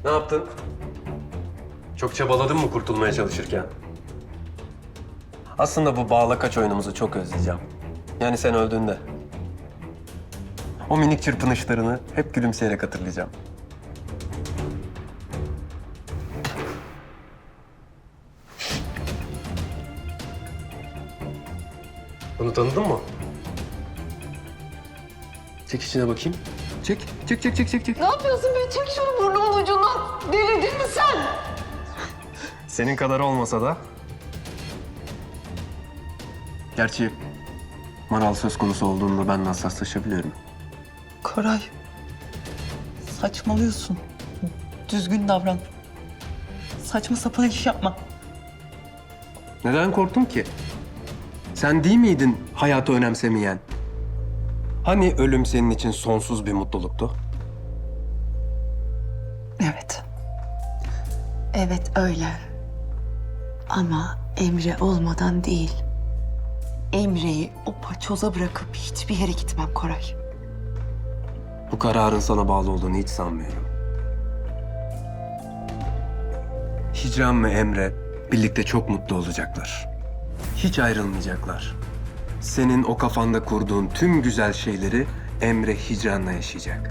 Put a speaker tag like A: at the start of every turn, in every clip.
A: Ne yaptın? Çok çabaladın mı kurtulmaya çalışırken? Aslında bu bağla kaç oyunumuzu çok özleyeceğim. Yani sen öldüğünde. O minik çırpınışlarını hep gülümseyerek hatırlayacağım. Bunu tanıdın mı? Çek içine bakayım. Çek. Çek.
B: Ne yapıyorsun be? Çek şunu burnumun ucundan. Delirdin mi sen?
A: Senin kadar olmasa da. Gerçi Maral söz konusu olduğunda ben de hassaslaşabiliyorum.
C: Koray, saçmalıyorsun. Düzgün davran. Saçma sapan iş yapma.
A: Neden korktun ki? Sen değil miydin hayatı önemsemeyen? Hani ölüm senin için sonsuz bir mutluluktu?
C: Evet. Evet öyle. Ama Emre olmadan değil. Emre'yi o paçoza bırakıp hiçbir yere gitmem Koray.
A: Bu kararın sana bağlı olduğunu hiç sanmıyorum. Hicran ve Emre birlikte çok mutlu olacaklar. Hiç ayrılmayacaklar. Senin o kafanda kurduğun tüm güzel şeyleri Emre Hicran'la yaşayacak.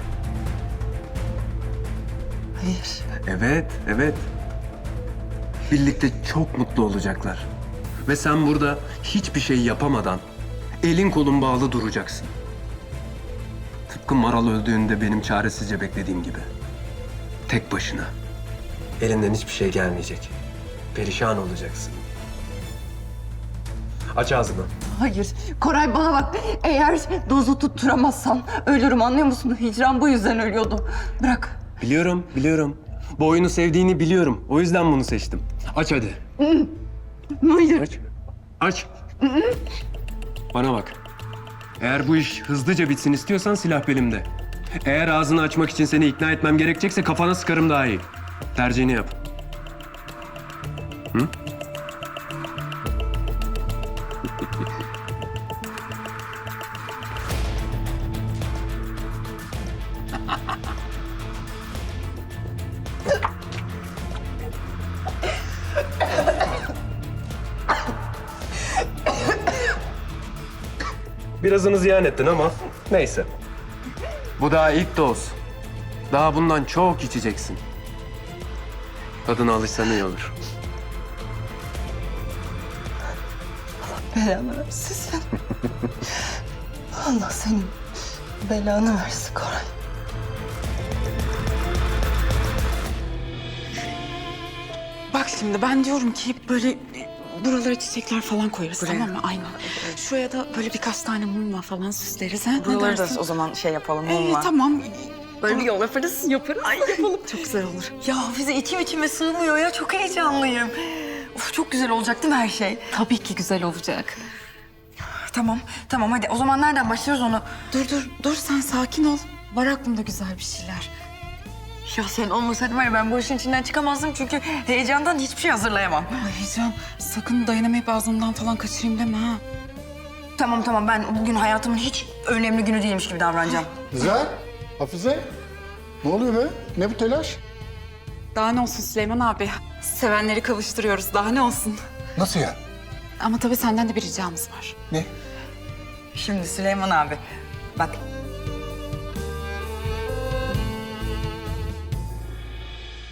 C: Hayır.
A: Evet. Birlikte çok mutlu olacaklar. Ve sen burada hiçbir şey yapamadan elin kolun bağlı duracaksın. Tıpkı Maral öldüğünde benim çaresizce beklediğim gibi. Tek başına. Elinden hiçbir şey gelmeyecek. Perişan olacaksın. Aç ağzını.
B: Hayır. Koray bana bak. Eğer dozu tutturamazsan ölürüm, anlıyor musun? Hicran bu yüzden ölüyordu. Bırak.
A: Biliyorum. Bu oyunu sevdiğini biliyorum. O yüzden bunu seçtim. Aç hadi.
B: Hayır.
A: Aç. Bana bak. Eğer bu iş hızlıca bitsin istiyorsan silah belimde. Eğer ağzını açmak için seni ikna etmem gerekecekse kafana sıkarım daha iyi. Tercihini yap. Hı? Birazını ziyan ettin ama neyse. Bu daha ilk doz. Daha bundan çok içeceksin. Tadına alışsan iyi olur.
C: Belanı versin sen. Allah senin belanı versin Koray.
D: Bak şimdi ben diyorum ki böyle buralara çiçekler falan koyarız, tamam mı? Aynen. Şuraya da böyle birkaç tane mumla falan süsleriz. Ha? Ne
E: Buraları
D: dersin?
E: da o zaman şey yapalım mumla.
D: Tamam.
E: Böyle bir yol yaparız.
D: Ay yapalım. Çok güzel olur.
B: Ya Hafize içime sığmıyor ya. Çok heyecanlıyım. Of, çok güzel olacak değil mi her şey?
D: Tabii ki güzel olacak.
B: Tamam hadi. O zaman nereden başlıyoruz onu?
D: Dur sen sakin ol. Var aklımda güzel bir şeyler.
B: Ya sen olmasaydın var ya, ben bu işin içinden çıkamazdım çünkü heyecandan hiçbir şey hazırlayamam.
D: Ay Can sakın dayanamayıp ağzımdan falan kaçırayım deme ha.
B: Tamam ben bugün hayatımın hiç önemli günü değilmiş gibi davranacağım.
F: Güzel. Hafize. Ne oluyor be? Ne bu telaş?
D: Daha ne olsun Süleyman abi? Sevenleri kavuşturuyoruz. Daha ne olsun?
F: Nasıl ya?
D: Ama tabii senden de bir ricamız var.
F: Ne?
B: Şimdi Süleyman abi bak,